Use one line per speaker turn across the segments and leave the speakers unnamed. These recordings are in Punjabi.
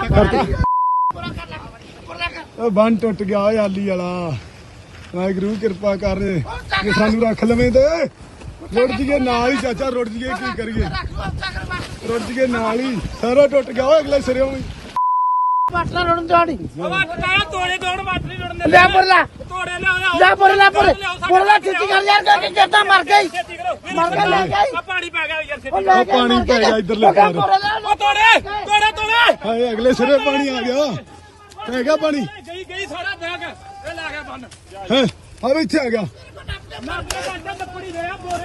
ਬੰਨ ਟੁੱਟ ਗਿਆ ਓਏ ਆਲੀ ਵਾਲਾ ਵਾਹਿਗੁਰੂ ਕਿਰਪਾ ਕਰ ਜੇ ਸਾਨੂੰ ਰੱਖ ਲਵੇਂ ਤੇ ਰੁੜ ਜੀਏ ਨਾਲ ਹੀ ਚਾਚਾ ਰੁੜ ਜੀਏ ਕੀ ਕਰੀਏ ਰੁੜ ਜੀਏ ਨਾਲ ਹੀ ਸਾਰਾ ਟੁੱਟ ਗਿਆ ਓਏ ਅਗਲੇ ਸਿਰੇ ਵੀ
ਵਾਟਲਾ ਰੋਣ ਦਾੜੀ
ਤੋੜੇ ਦੌੜ ਵਾਟ ਨਹੀਂ ਰੋਣ
ਲੈ ਪਰਲਾ
ਤੋੜੇ ਲਿਆ
ਲੈ ਪਰਲਾ ਪਰਲਾ ਛੇਤੀ ਕਰ ਯਾਰ ਕਿ ਕਿੱਦਾਂ ਮਰ ਗਈ ਮਰ ਗਿਆ ਲੈ ਗਈ
ਆ ਪਾਣੀ ਪੈ ਗਿਆ ਯਾਰ ਛੇਤੀ
ਉਹ ਪਾਣੀ ਪੈ ਗਿਆ ਇਧਰਲੇ ਪਾਰ
ਉਹ ਤੋੜੇ
ਹਾਏ ਅਗਲੇ ਸਿਰੇ ਪਾਣੀ ਆ ਗਿਆ ਪੈ ਗਿਆ ਪਾਣੀ
ਗਈ ਸਾਰਾ ਬੈਗ ਇਹ ਲਾ ਗਿਆ ਬੰਨ
ਹੈ ਆ ਵੀ ਇੱਥੇ ਆ ਗਿਆ
ਮਰ ਗਿਆ ਡੰਡਾ ਲੱਕੜੀ ਦੇ ਆ ਬੋਰੇ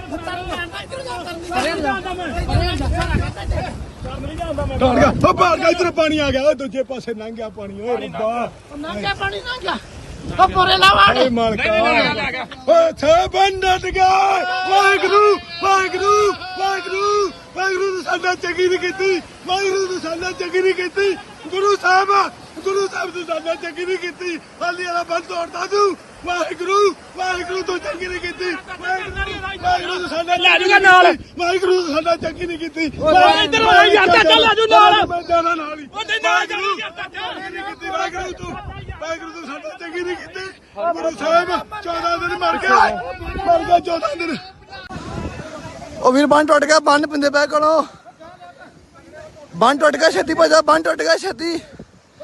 ਟਾੜ ਗਿਆ ਉਹ ਬਾਹਰ ਗਿਆ ਇਧਰ ਪਾਣੀ ਆ ਗਿਆ ਓਏ ਦੂਜੇ ਪਾਸੇ ਲੰਘ ਗਿਆ ਪਾਣੀ ਓਏ ਰੱਬਾ
ਨੰਗਾ ਪਾਣੀ ਨੰਗਾ ਉਹ ਪਰੇ ਲਾ ਵਾੜ
ਓਏ ਮਾਲਕਾ ਓਏ ਛੇ ਬੰਦਟ ਗਿਆ ਵਾਹਿਗੁਰੂ ਵਾਹਿਗੁਰੂ ਵਾਹਿਗੁਰੂ ਵਾਹਿਗੁਰੂ ਨੇ ਸਾਡਾ ਚੰਗੀ ਨਹੀਂ ਕੀਤੀ ਵਾਹਿਗੁਰੂ ਨੇ ਸਾਡਾ ਚੰਗੀ ਨਹੀਂ ਕੀਤੀ ਗੁਰੂ ਸਾਹਿਬ ਨੇ ਸਾਡਾ ਚੰਗੀ ਨਹੀਂ ਕੀਤੀ ਹਾਲੀ ਵਾਲਾ ਬੰਦ ਤੋੜਦਾ ਤੂੰ ਵਾਹਿਗੁਰੂ ਵਾਹਿਗੁਰੂ ਤੋਂ ਚੰਗੀ ਨਹੀਂ ਕੀਤੀ ਵਾਹਿਗੁਰੂ ਨੇ ਸਾਡਾ ਲੈ ਜੂਗਾ ਨਾਲ ਵਾਹਿਗੁਰੂ ਨੇ ਸਾਡਾ ਚੰਗੀ ਨਹੀਂ ਕੀਤੀ
ਇੱਧਰ ਆ ਯਾਰ ਚਾਚਾ ਲੈ ਜੂ ਨਾਲ
ਮੈਂ ਜਾਣਾ ਨਾਲ ਹੀ
ਉਹ ਨਾਲ ਚੱਲ
ਨਹੀਂ ਕੀਤੀ ਵਾਹਿਗੁਰੂ ਤੂੰ ਵਾਹਿਗੁਰੂ ਤੂੰ ਸਾਡਾ ਚੰਗੀ ਨਹੀਂ ਕੀਤੀ ਗੁਰੂ ਸਾਹਿਬ 14 ਦਿਨ ਮਰ ਗਿਆ 14 ਦਿਨ ਉਹ ਵੀਰ ਬੰਨ ਟੁੱਟ ਗਿਆ ਬੰਨ ਪਿੰਦੇ ਪੈ ਕੋਲੋਂ ਬੰਨ ਟੁੱਟ ਗਿਆ ਛੇਤੀ ਭਜਾ ਬੰਨ ਟੁੱਟ ਗਿਆ ਛੇਤੀ